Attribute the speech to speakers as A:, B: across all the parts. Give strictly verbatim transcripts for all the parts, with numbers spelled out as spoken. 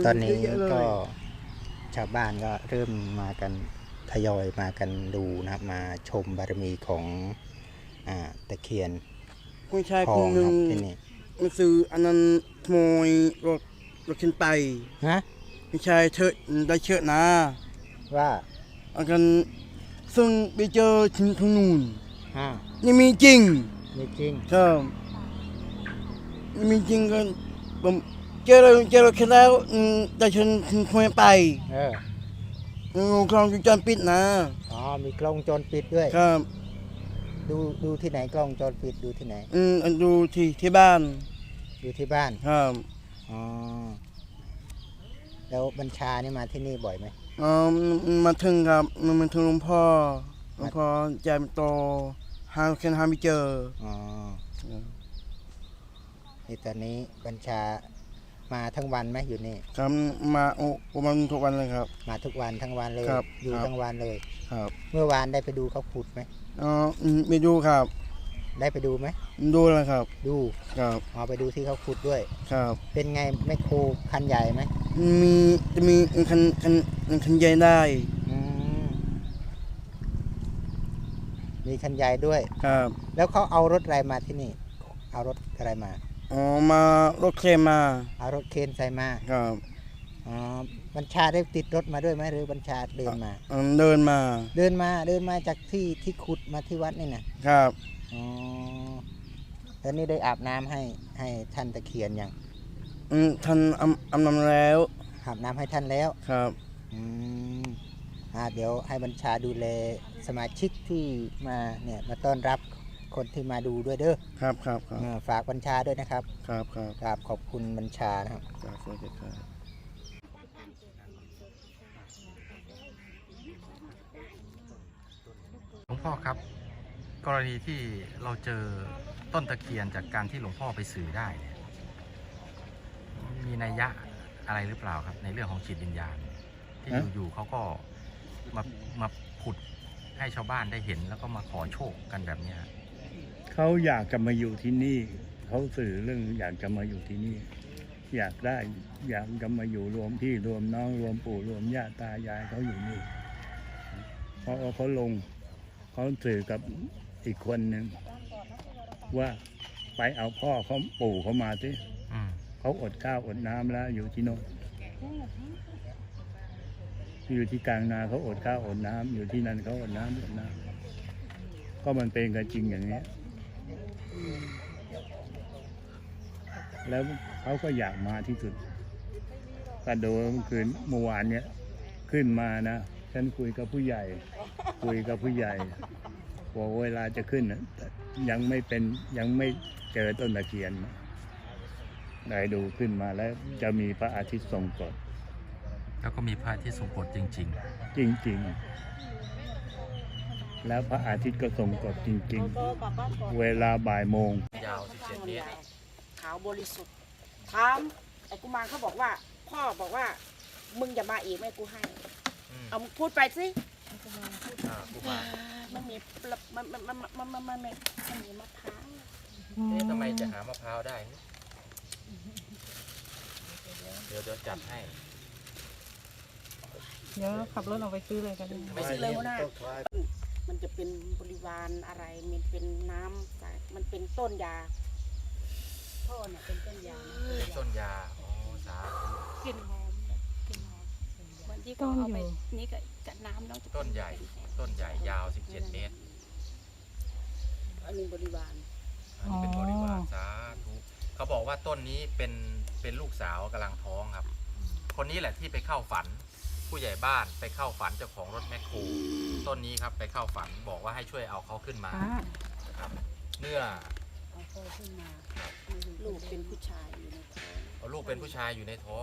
A: ตอนนี้ก็ชาวบ้านก็เริ่มมากันทยอยมากันดูนะครับมาชมบารมีของอ่าตะเคียน
B: ผู้ชาย
A: ท
B: ค
A: อน ง
B: หนึ่
A: ค
B: ง
A: รับที่นี่
B: มันซื้ออันนั้นขโมยรถรถขึ้นไป
A: ฮะ
B: ผู้ชายเชิดได้เชิดนะ
A: ว่า
B: อากันซึ่งไปเจอถึงทางนู้น
A: อ่า
B: นี่มีจริง
A: ไม่จริง
B: ครับนี่มีจริงกันผมเจอเราเจอเราแค่แล้วอืมได้เชิญถึงขโมยไป
A: เออ
B: อืมกล้องวงจรปิดนะ
A: อ๋อมีกล้องวงจรปิดด้วย
B: ครับ
A: ดูดูที่ไหนกล้องวงจรปิดดูที่ไหน
B: อืมอันดูที่ที่บ้าน
A: ดูที่บ้าน
B: ครับ
A: อ๋อแล้วบัญชานี่มาที่นี่บ่อยไหม
B: อ๋อมาถึงครับมันมาถึงหลวงพ่อหลวงพ่อใจมันโตหาแค่หาไม่เจอ
A: อ๋อนี่ตอนนี้บัญชามาทั้งวันไหมอยู่นี่
B: ครับมาโอ้ประมาณทุกวันเลยครับ
A: มาทุกวันทั้งวันเลย
B: ครับ
A: อยู่
B: ครับ
A: ทั้งวันเลย
B: ครับ
A: เมื่อวานได้ไปดูเขาขุดไหม
B: อ๋ออืมไม่ดูครับ
A: ได้ไปดูไหม
B: ดูแล้วครับ
A: ดู
B: ครับ
A: เอาไปดูที่เขาขุดด้วย
B: ครับ
A: เป็นไงแมคโครคันใหญ่ไหม
B: มีจะมีคันคันคันใหญ่ได้
A: อืมมีคันใหญ่ด้วย
B: ครับ
A: แล้วเขาเอารถอะไรมาที่นี่ เอารถอะไรมา
B: อ๋อมารถเคลมมา
A: เอารถเคนใส่มา
B: ครับ
A: อ๋อบัญชาได้ติดรถมาด้วยไหมหรือบัญชาเดินมา
B: อืมเดินมา
A: เดินมาเดินมาจากที่ที่ขุดมาที่วัดนี่นะครับ อ๋อแล้วนี่ได้อาบน้ำให้ให้ท่านตะเคียนยัง
B: อืมท่านอำอำนำแล้ว
A: อาบน้ำให้ท่านแล้ว
B: ครับ
A: อืมอ่าเดี๋ยวให้บัญชาดูแลสมาชิกที่มาเนี่ยมาต้อนรับคนที่มาดูด้วยเด้อ
B: ครับครับครับ
A: เออฝากบัญชาด้วยนะครับ
B: ครับครับ
A: กราบขอบคุณบัญชานะครับ
B: ครับสวัสดีครับ
C: หลวงพ่อครับ กรณีที่เราเจอต้นตะเคียนจากการที่หลวงพ่อไปสื่อได้เนี่ยมีนัยยะอะไรหรือเปล่าครับ ในเรื่องของจิตวิญญาณ ที่อยู่ๆเขาก็มามาขุดให้ชาวบ้านได้เห็น แล้วก็มาขอโชคกันแบบเนี้ย
D: เขาอยากจะมาอยู่ที่นี่ เขาสื่อเรื่องอยากจะมาอยู่ที่นี่ อยากได้อยากจะมาอยู่รวมพี่รวมน้องรวมปู่รวมย่าตายายเขาอยู่นี่เพราะว่าเขาลงเขาสื่อกับอีกคนหนึ่งว่าไปเอาพ่อเขาปู่เขามาสิ
C: อืม
D: เขาอดข้าวอดน้ำแล้วอยู่ที่โน่นอยู่ที่กลางนาเขาอดข้าวอดน้ำอยู่ที่นั่นเขาอดน้ำอดน้ำก็มันเป็นกันจริงอย่างนี้ แล้วเขาก็อยากมาที่สุดกระโดดเมื่อคืนเมื่อวานเนี้ยขึ้นมานะฉันคุยกับผู้ใหญ่ คุยกับผู้ใหญ่บอกเวลาจะขึ้นนะแต่ยังไม่เป็นยังไม่เจอต้นตะเคียนนะได้ดูขึ้นมาแล้วจะมีพระอาทิตย์ทรงกฎ
C: แล้วก็มีพระที่ทรงกฎจริง
D: จริงๆ แล้วพระอาทิตย์ก็ทรงกฎจริงๆ เวลาบ่ายโมง
C: ๆ ยาวสิบเจ็ดเมตร
E: ขาวบริสุทธิ์ถามไอ้กุมารเขาบอกว่า พ่อบอกว่า มึงอย่ามาอีกไม่กูให้
C: อืม
E: เอามึงพูดไปสิ
C: อ่ากุมาร
E: มันมีมันมันมันมันมันมันมันมันมีมะพร้าว
C: เอ๊ะทำไมจะหามะพร้าวได้ เดี๋ยวเดี๋ยวจัดให้
F: เดี๋ยวขับรถออกไปซื้อเลยกัน
E: ไม่ซื้อเลยหัวหน้ามันจะเป็นบริวารอะไรมันเป็นน้ำจากมันเป็นต้นยาพ่อเนี่ยเป็นต้นยา
C: เป็นต้นยาอ๋อสาธุ
E: กลิ่นหอมกลิ่นหอมเหมือนที่เขาเอาไปนี่กับกับน้ำแล้ว
C: ต้นใหญ่ ต้นใหญ่ยาวสิบเจ็ดเมตร
E: อันนี้บริวาร
C: อันนี้เป็นบริวารสาธุเขาบอกว่าต้นนี้เป็นเป็นลูกสาวกำลังท้องครับ คนนี้แหละที่ไปเข้าฝัน ผู้ใหญ่บ้านไปเข้าฝันเจ้าของรถแมคโครต้นนี้ครับไปเข้าฝันบอกว่าให้ช่วยเอาเขาขึ้นมาครับเนื้อ
E: เอาพ่อขึ้นมาลูกเป็นผู้ชายอยู่ในท้อง
C: เอาลูกเป็นผู้ชายอยู่ในท้อง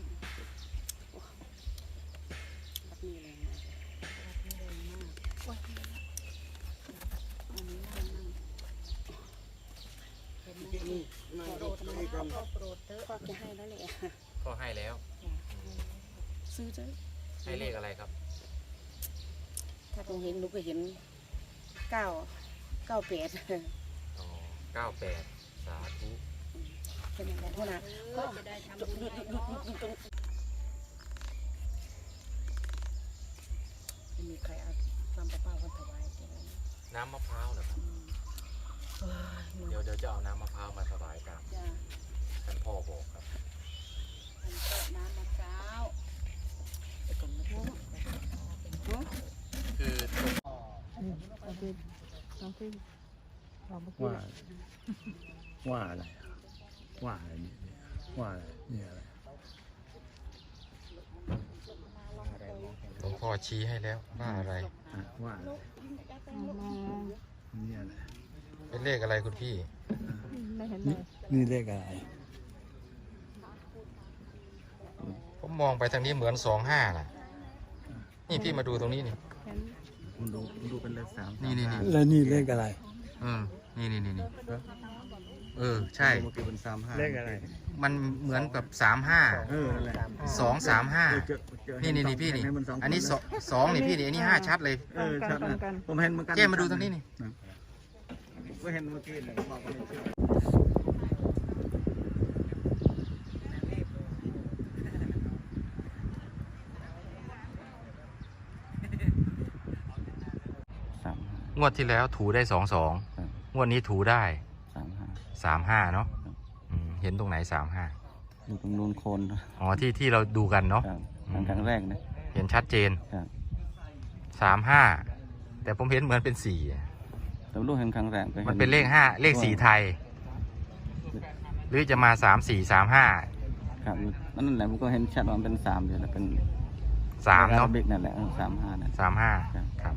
E: แบบนี้เลยนะแบบนี้เลยมากโอ้ยอันนี้น่านั่งเห็นไหมนี่ขอโปรดนะขอโปรดเถอะพ่อจะให้แล้วแหละ
C: ก็ให้แล้ว
E: ซื้อเถอะ
C: ให้เลขอะไรครับ
E: ถ้าคงเห็นหนูก็เห็นเก้าเก้าแปด
C: อ๋อเก้าแปดสาธุ
E: เป็นอย่างนั้นนะก็จะได้ทำบุญ
C: น้ำมะพร้าวเหรอครับ
E: เอ้ย
C: เดี๋ยวเดี๋ยวจะเอาน้ำมะพร้าวมาถวายกัน
E: จ้ะ
C: ท่านพ่อบอกครับ
E: มันก็น้ำมะพร้าวไปก่อนนะพ่อ
C: คือ
F: เอาไปเอาไปเอาไป
D: ว่าว่าอะไรว่าอะไรนี่ว่าอะไรนี่อะไร
C: หลวงพ่อชี้ให้แล้วว่าอะไร
D: อ่ะว่าอะไร
F: เอามา
D: นี่อะไร
C: เป็นเลขอะไรคุณพี่
F: ไม่เห็นเล
D: นี่
F: ย
D: นี่เลขอะไร
C: ผมมองไปทางนี้เหมือนสองห้าน่ะ นี่พี่มาดูตรงนี้นี่
F: เห็น
A: มันดูมันดูเป็นเลขสาม
C: นี่นี่นี่
D: แล้วนี่เลขอะไร
C: เออ นี่นี่นี่นี่เออ ใช่
A: เมื่อกี้เป็นสามห้า
D: เลขอะไร
C: มันเหมือนกับสามห้า
A: เออนั่นแหละ
C: สองสามห้า
A: เจอเจอ
C: นี่นี่นี่พี่นี่
A: เห็มัสง
C: อันนี้
A: ค
C: สองสองนี่พี่นี่ อันนี้ห้าชัดเลย
A: เออชัดนะผมเห็นเหมือนกัน
C: เจ้มาดูตรงนี้นี่
A: ผมก็เห็นเมื่อกี้เลยบอกว่าไม่เชื่อ
B: สามห้าง
C: วดที่แล้วถูได้สองสอง
B: ครับ
C: งวดนี้ถูได้
B: สามห้า
C: สามห้าเนาะอืมเห็นตรงไหนสามห้า
B: อยู่ตรงนู้นโคนนะ
C: อ๋อที่ที่เราดูกันเนาะ
B: ครับครั้งครั้งแรกนะ
C: เห็นชัดเจน
B: ครับ
C: สามห้าแต่ผมเห็นเหมือนเป็นสี่อะ
B: แต่ไม่รู้เห็นครั้งแรกก็ห็
C: มันเป็นเลขห้าเลขสี่ไทย หรือจะมาสามสี่สามห้า
B: ครับนั่นแหละผมก็เห็นชัดว่ามันเป็นสามอยู่แล้วเป็น
C: สามเนาะ
B: บิ๊กนั่นแหละเออสามห้านั่น
C: สามห้า
B: ครับ
C: ครับ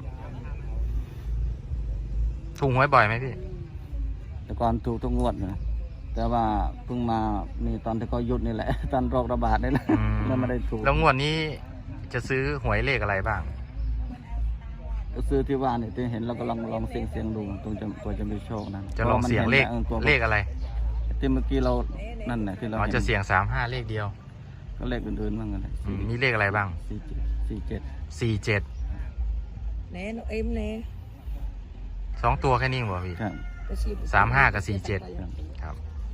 C: ถูกหวยบ่อยไหมพี่
B: แต่ก่อนถูกทุกงวดนะแต่ว่าเพิ่งมามีตอนที่เขาหยุดนี่แหละ ตอนโรคระบาดนี่แหละ
C: อืม
B: แล้วไม่ได้ถูก
C: แล้วงวดนี้จะซื้อหวยเลขอะไรบ้าง
B: ก็ซื้อที่ว่านี่ที่เห็นเราก็ลองลองเสียงเสียงดูตรงจะตัวจะมีโชคนั้น
C: จะลองเสียงเลข
B: พราะมันห็นออตัว
C: เลขอะไร
B: ที่เมื่อกี้เรานั่นแหละที่เรา
C: อ๋อ
B: เห็น
C: จะเสียงสามห้าเลขเดียว
B: ก็เลขอื่นๆบ้างกันเลย
C: อืมมีเลขอะไรบ้าง
B: สี่เจ็ดสี่เจ็ด
C: สี่เจ็ด
F: แน่นเอ็มแน่
C: สองตัวแค่นี้เหรอพี่
B: ครับ
C: สามห้ากับสี่เจ็ด
B: ครับ
C: ครับ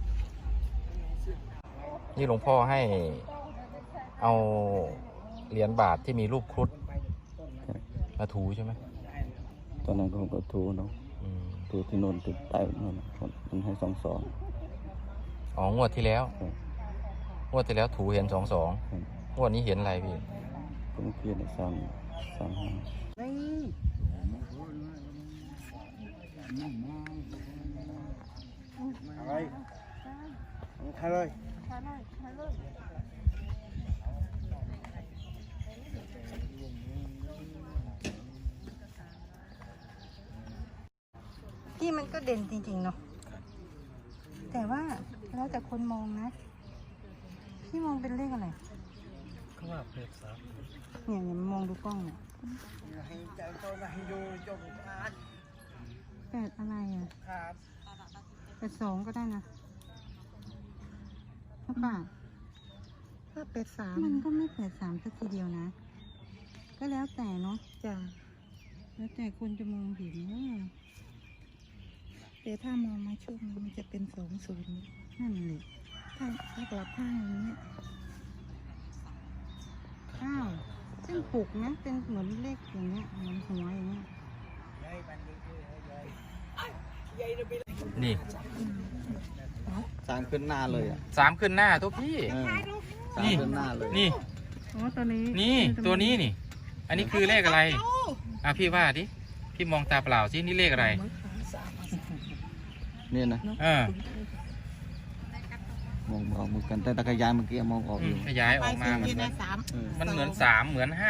C: นี่หลวงพ่อให้เอาเหรียญบาทที่มีรูปครุฑมาถูใช่ไหม
B: ตอนนั้นก็ก็ถูเนาะ
C: อืม
B: ถูที่โน่นติดใต้โน่นมันให้สองสอง
C: อ๋องวดที่แล้ว
B: ครับ
C: งวดที่แล้วถูเห็นสองสอง
B: ครับ
C: งวดนี้เห็นอะไรพี่
B: ก็เมื่อกี้เนี่ยสามสามห้า
A: อะไรใครเลย
G: ที่มันก็เด่นจริงๆเนาะ แต่ว่าแล้วแต่คนมองนะ พี่มองเป็นเลขอะไร
A: เขาว่าเพชรสาม
G: เนี่ยเนี่ยมองดูกล้องเนี่ย
A: ให้ใจโตนะให้ดูจงอาด
G: แปดอะไรอ่ะ
A: ครับ
G: แปดสองก็ได้นะหรือเปล่า
F: ก็เป็ดสาม
G: มันก็ไม่แปดสามสักทีเดียวนะ ก็แล้วแต่เนาะ
F: จ้ะ
G: แล้วแต่คนจะมองเห็นว่า
F: แต่ถ้ามองมาช่วงนี้มันจะเป็นสองศูนย์
G: นั่นแหละ
F: ถ้าถ้ากลับข้างอย่างนี้ย
G: อ้าวซึ่งปลุกนะเป็นเหมือนเลขอย่างเงี้ยเหมือนหัวอย่างเงี้ย
C: นี่
A: สามขึ้นหน้าเลยอ่ะ
C: สามขึ้นหน้าทุกพี่
A: เออสาม
C: นี่
A: ขึ้นหน้าเลย
C: นี่
F: อ๋อตัวนี้
C: นี่ตัวนี้นี่ อันนี้คือเลขอะไร อ่ะพี่ว่าดิ พี่มองตาเปล่าสินี่เลขอะไร
B: นี่นะ
C: เออ
B: มองออกเหมือนกันแต่ตะกายานเมื่อกี้มองออก
C: อื
B: อ
C: ม
B: ยู่
C: ขยายออกมามันเหมือน
F: สาม
C: มันเหมือนสามเหมือนห้า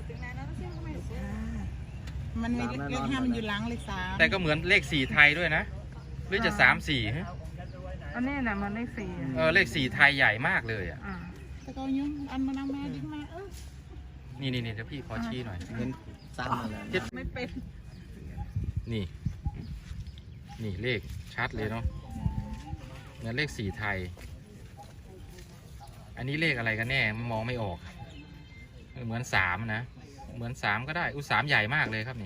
F: มันมีเลขห้ามันอยู่หลังเลขสาม
C: แต่ก็เหมือนเลขสี่ไทยด้วยนะ หรือจะสามสี่ฮะ
F: อันนี้น่ะมันเลขสี่
C: เออเลขสี่ไทยใหญ่มากเลยอ่ะ
F: อ่าแต่ก็ยุ่งอันมันเอามาดิ้งมาเออ
C: นี่นี่นี่เดี๋ยวพี่ขอชี้หน่อย
A: เห็นสามมาแล้ว
C: เจ็ด
F: ไม่เป็น
C: นี่ นี่เลขชัดเลยเนาะเหมือนเลขสี่ไทย อันนี้เลขอะไรกันแน่มองไม่ออกเออเหมือนสามนะ เหมือนสามก็ได้อุยสามใหญ่มากเลยครับนี่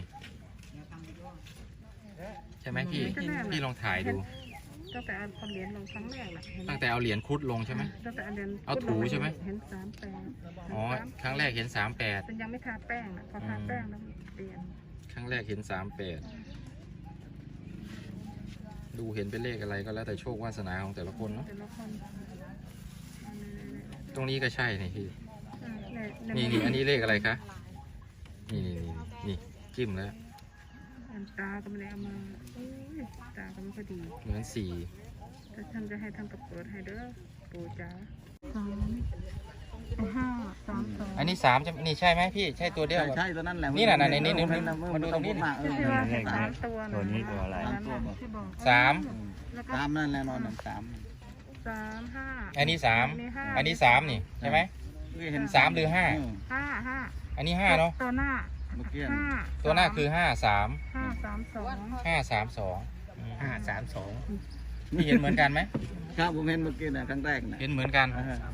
C: ใช่ไหมพี่ พี่ลองถ่ายดู
F: ตั้งแต่เอาเหรียญลงครั้งแรกน่ะเห็นไหม
C: ตั้งแต่เอาเหรียญครุฑลงใช่ไหม
F: ตั้งแต่เอาเหรียญ
C: เอาถูใช่ไหม
F: เห็นสามแปด
C: อ๋อ ครั้งแรกเห็นสามแปด
F: แต่ยังไม่ทาแป้งนะพอทาแป้งแล้วเปลี่ยน
C: ครั้งแรกเห็นสามแปดดูเห็นเป็นเลขอะไรก็แล้วแต่โชควาสนาของแต่ละคนเนาะ
F: แต่ละคน
C: ตรงนี้ก็ใช่นี่พี่
F: อ่าเนี่ยเนี่ย
C: นี่นี่อันนี้เลขอะไรคะ นี่นี่นี่นี่จิ้มแล้ว
F: อันตาก็ไม่ได้เอามาโอ้ยตาก็ไม่ค่อยดี
C: เหมือนสี่
F: แต่ท่านจะให้ท่านกับเปิดให้เด้อปู่จ๋าสามห้าสามสอง
C: อันนี้สามจะนี่ใช่ไหมพี่ ใช่ตัวเดียว
B: ใช่ตัวนั้นแหละ
C: นี่น่ะน่ะนี่นี่นี่
B: มั
C: มาดูตรงนี้
B: มาเออ
F: ที่ว่าให้สามตัว
D: ตัวนี้ตัวอะไร
F: นั้นน่ะที่บอก
C: สาม
F: แล้วก็
B: ตามนั่นแหละนอนหนึ่งสาม
F: สามห้า
C: อันนี้สาม
F: อันนี้ห้า
C: อันนี้สามนี่ใช่ไหม
B: เห็น
C: สามหรือห้า
F: ห้าห้า
C: อันนี้ห้าเนาะ
F: ตัวหน้า
B: เมื่อกี้
F: ห้า
C: ตัวหน้าคือห้าสาม
F: ห้าสามสอง
C: ห้าสามสอง
A: ห้าสามสอง
C: พี่เห็นเหมือนกันไหม
B: ครับผมเห็นเมื่อกี้นะครั้งแรกนะ
C: เห็นเหมือนกัน
B: อ่าฮะ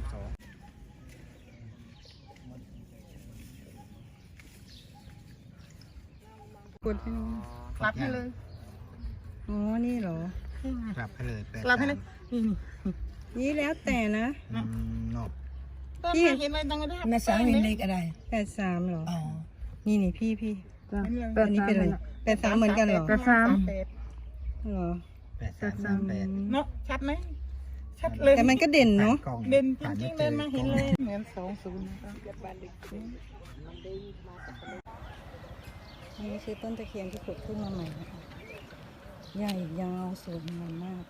F: กดให้หนูกลับให้เลย
G: อ๋อ นี่เหรอ
A: กลับให้เลยแปด
F: กลับให้เลย
A: สาม
G: นี่แล้วแต่นะ
A: อืมเนาะ
G: พี่
F: เห็นอะไรตั้งแต่
G: แม่สามเห็นเลขอะไรแปดสามเหรอ นี่นี่พี่พี่อันนี้เป็นอะไรแปดสามเหมือนกันเหรอ
F: แปดสาม
G: เหรอ
A: แปดสามสามแปด
F: เนาะชัดไหมชัดเลย
G: แต่มันก็เด่นเนาะ
A: กล้อง
F: เด่นจ
A: ผ่า
F: ริงๆ
A: ไม่
F: เด่นมาเห็นเลย
A: กล้อง
F: เหมือนสองศูนย์นะครับ
G: อันนี้คือต้นตะเคียนที่ขุดขึ้นมาใหม่นะคะใหญ่ยาวสวยงามมาก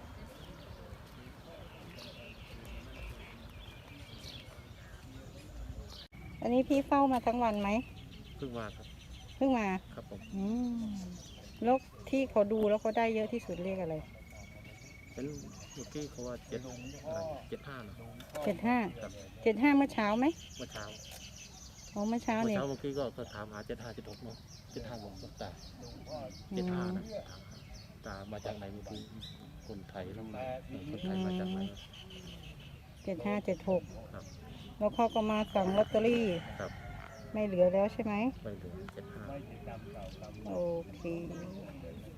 G: อันนี้พี่เฝ้ามาทั้งวันไหม
C: เพิ่งมาครับ
G: เพิ่งมา
C: ครับผม
G: อืมแล้วที่เขาดูแล้วเขาได้เยอะที่สุดเลขอะไร
C: เป็นเมื่อกี้เขาว่าเจ็ดเจ็ดห้าเนาะ
G: เจ็ดห้า เจ็ดห้าเมื่อเช้าไหม
C: เมื่อเช้า
G: อ๋อเมื่อเช้า
C: เมื่อ
G: เนี่ย
C: เช้าเมื่อกี้ก็ก็ถามหาเจ็ดห้าเจ็ดหกเนาะเจ็ดห้าบอกว่าตาเจ็ดห้านะถามหาตามาจากไหนเมื่อกี้คนไทยแล้วมาคนไทยมาจากไหน
G: เจ็ดห้าเจ็ดหก
C: ครับ
G: แล้วเขาก็มาสั่งลอตเตอรี่
C: ครับ
G: ไม่เหลือแล้วใช่ไหม
C: ไปเหลือเจ็ดห้า
G: โอเค